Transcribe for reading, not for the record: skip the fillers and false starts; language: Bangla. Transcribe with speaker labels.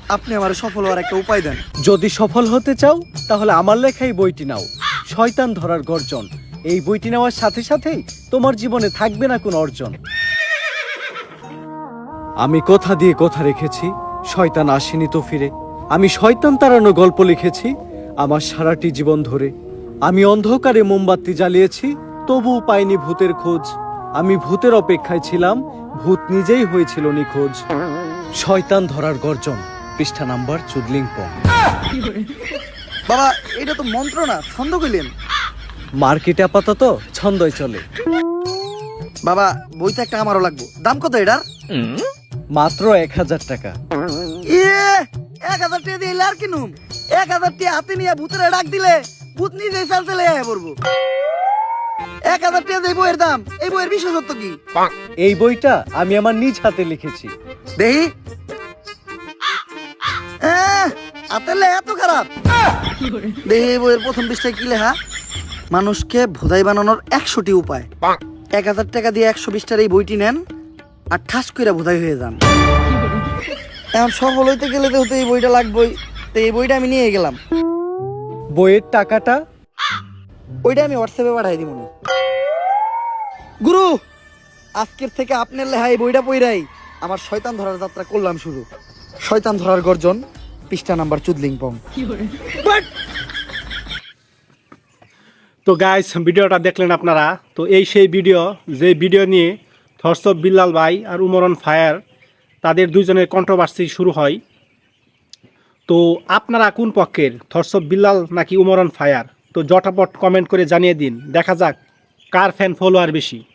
Speaker 1: আপনি আমার সফল হওয়ার একটা উপায় দেন।
Speaker 2: যদি সফল হতে চাও তাহলে আমার লেখাই বইটি নাও, শয়তান ধরার গর্জন। এই বইটি নেওয়ার সাথে সাথেই তোমার জীবনে থাকবে না কোনো অর্জন। আমি কথা দিয়ে কথা রেখেছি, শয়তান আসেনি তো ফিরে। আমি শয়তান তাড়ানো গল্প লিখেছি আমার সারাটি জীবন ধরে। আমি অন্ধকারে মোমবাতি জ্বালিয়েছি, তবুও পাইনি ভূতের খোঁজ। আমি ভূতের অপেক্ষায় ছিলাম, ভূত নিজেই হয়েছিল নিখোঁজ। শয়তান ধরার গর্জন, পৃষ্ঠা নাম্বার চুদলিংপং।
Speaker 1: বাবা এটা তো মন্ত্র না, ছন্দ কইলেন।
Speaker 2: মার্কেটে আপাতত ছন্দই চলে।
Speaker 1: বাবা বইটা একটা আমারও লাগবো, দাম কত এটার?
Speaker 2: মাত্র 1000 টাকা।
Speaker 1: ইয়ে 1000 টাকা দিয়ে আর কিনুম? 1000 টাকা হাতে নিয়ে ভূতের ডাক দিলে ভূত নিজেই চালতে লেগে পড়বো। 1000 টাকা দিয়ে বইয়ের দাম, এই বইয়ের বিশেষত্ব কি?
Speaker 2: এই বইটা আমি আমার নিজ হাতে লিখেছি।
Speaker 1: দেহি হাতে লেখা এত খারাপ? দেহি এই বইয়ের প্রথম পৃষ্ঠায় কি লেখা? মানুষকে ভোদাই বানানোর 100টি উপায়। 1000 টাকা দিয়ে 120টার এই বইটি নেন আর ঠাস করে ভোদাই হয়ে যান। এখন সফল হইতে গেলে তো এই বইটা লাগবেই, তো এই বইটা আমি নিয়ে গেলাম।
Speaker 2: বইয়ের টাকাটা?
Speaker 1: ওইটা আমি হোয়াটসঅ্যাপে পাঠাই দিব। গুরু, আজকের থেকে আপনার লেখা এই বইটা পইরাই আমার শয়তান ধরার যাত্রা করলাম শুরু। শয়তান ধরার গর্জন, পৃষ্ঠা নাম্বার চুদলিংপং।
Speaker 3: তো গাইস, ভিডিওটা দেখলেন আপনারা। তো এই সেই ভিডিও, যে ভিডিও নিয়ে থটস অফ বিল্লাল ভাই আর উমর অন ফায়ার তাদের দুজনের কন্ট্রোভার্সি শুরু হয়। তো আপনারা কোন পক্ষের, থটস অফ বিল্লাল নাকি উমর অন ফায়ার? তো জটাপট কমেন্ট করে জানিয়ে দিন, দেখা যাক কার ফ্যান ফলোয়ার বেশি।